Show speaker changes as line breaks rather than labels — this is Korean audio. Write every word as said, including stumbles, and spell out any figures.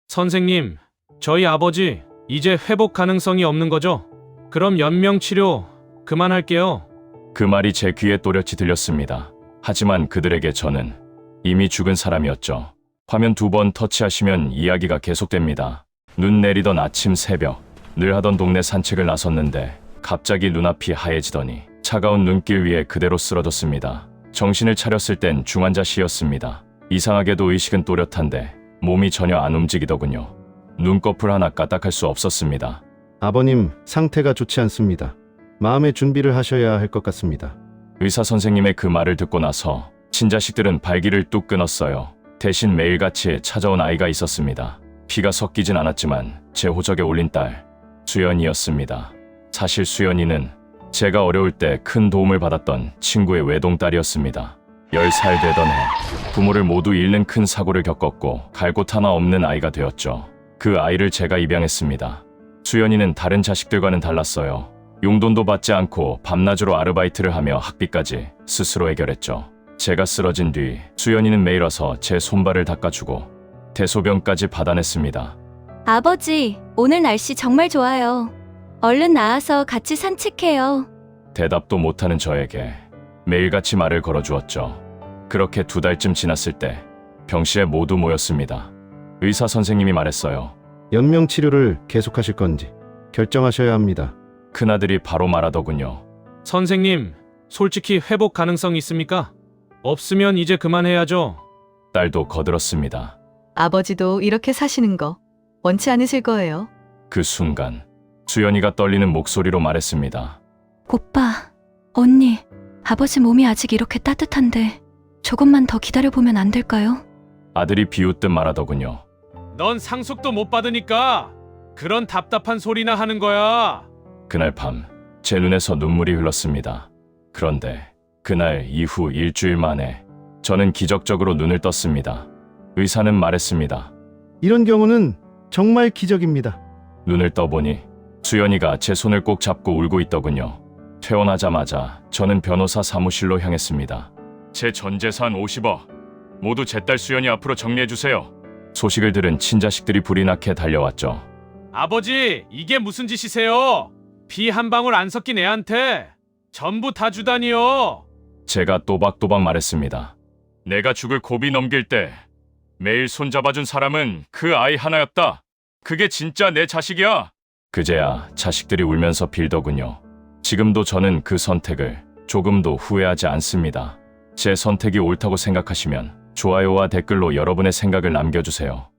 선생님, 저희 아버지 이제 회복 가능성이 없는 거죠? 그럼 연명 치료 그만할게요.
그 말이 제 귀에 또렷이 들렸습니다. 하지만 그들에게 저는 이미 죽은 사람이었죠. 화면 두 번 터치하시면 이야기가 계속됩니다. 눈 내리던 아침 새벽, 늘 하던 동네 산책을 나섰는데 갑자기 눈앞이 하얘지더니 차가운 눈길 위에 그대로 쓰러졌습니다. 정신을 차렸을 땐 중환자 시였습니다. 이상하게도 의식은 또렷한데 몸이 전혀 안 움직이더군요. 눈꺼풀 하나 까딱할 수 없었습니다.
아버님, 상태가 좋지 않습니다. 마음의 준비를 하셔야 할 것 같습니다.
의사 선생님의 그 말을 듣고 나서 친자식들은 발길을 뚝 끊었어요. 대신 매일같이 찾아온 아이가 있었습니다. 피가 섞이진 않았지만 제 호적에 올린 딸, 수연이였습니다. 사실 수연이는 제가 어려울 때 큰 도움을 받았던 친구의 외동딸이었습니다. 열 살 되던 해 부모를 모두 잃는 큰 사고를 겪었고 갈 곳 하나 없는 아이가 되었죠. 그 아이를 제가 입양했습니다. 수연이는 다른 자식들과는 달랐어요. 용돈도 받지 않고 밤낮으로 아르바이트를 하며 학비까지 스스로 해결했죠. 제가 쓰러진 뒤 수연이는 매일 와서 제 손발을 닦아주고 대소변까지 받아냈습니다.
아버지, 오늘 날씨 정말 좋아요. 얼른 나와서 같이 산책해요.
대답도 못하는 저에게 매일같이 말을 걸어주었죠. 그렇게 두 달쯤 지났을 때 병실에 모두 모였습니다. 의사 선생님이 말했어요.
연명 치료를 계속하실 건지 결정하셔야 합니다.
큰아들이 바로 말하더군요.
선생님, 솔직히 회복 가능성 있습니까? 없으면 이제 그만해야죠.
딸도 거들었습니다.
아버지도 이렇게 사시는 거 원치 않으실 거예요.
그 순간 수연이가 떨리는 목소리로 말했습니다.
오빠, 언니, 아버지 몸이 아직 이렇게 따뜻한데 조금만 더 기다려보면 안 될까요?
아들이 비웃듯 말하더군요.
넌 상속도 못 받으니까 그런 답답한 소리나 하는 거야.
그날 밤 제 눈에서 눈물이 흘렀습니다. 그런데 그날 이후 일주일 만에 저는 기적적으로 눈을 떴습니다. 의사는 말했습니다.
이런 경우는 정말 기적입니다.
눈을 떠보니 수연이가 제 손을 꼭 잡고 울고 있더군요. 퇴원하자마자 저는 변호사 사무실로 향했습니다. 제 전 재산 오십억 모두 제 딸 수연이 앞으로 정리해주세요. 소식을 들은 친자식들이 불이 나게 달려왔죠.
아버지, 이게 무슨 짓이세요? 피 한 방울 안 섞인 애한테 전부 다 주다니요.
제가 또박또박 말했습니다. 내가 죽을 고비 넘길 때 매일 손잡아준 사람은 그 아이 하나였다. 그게 진짜 내 자식이야. 그제야 자식들이 울면서 빌더군요. 지금도 저는 그 선택을 조금도 후회하지 않습니다. 제 선택이 옳다고 생각하시면 좋아요와 댓글로 여러분의 생각을 남겨주세요.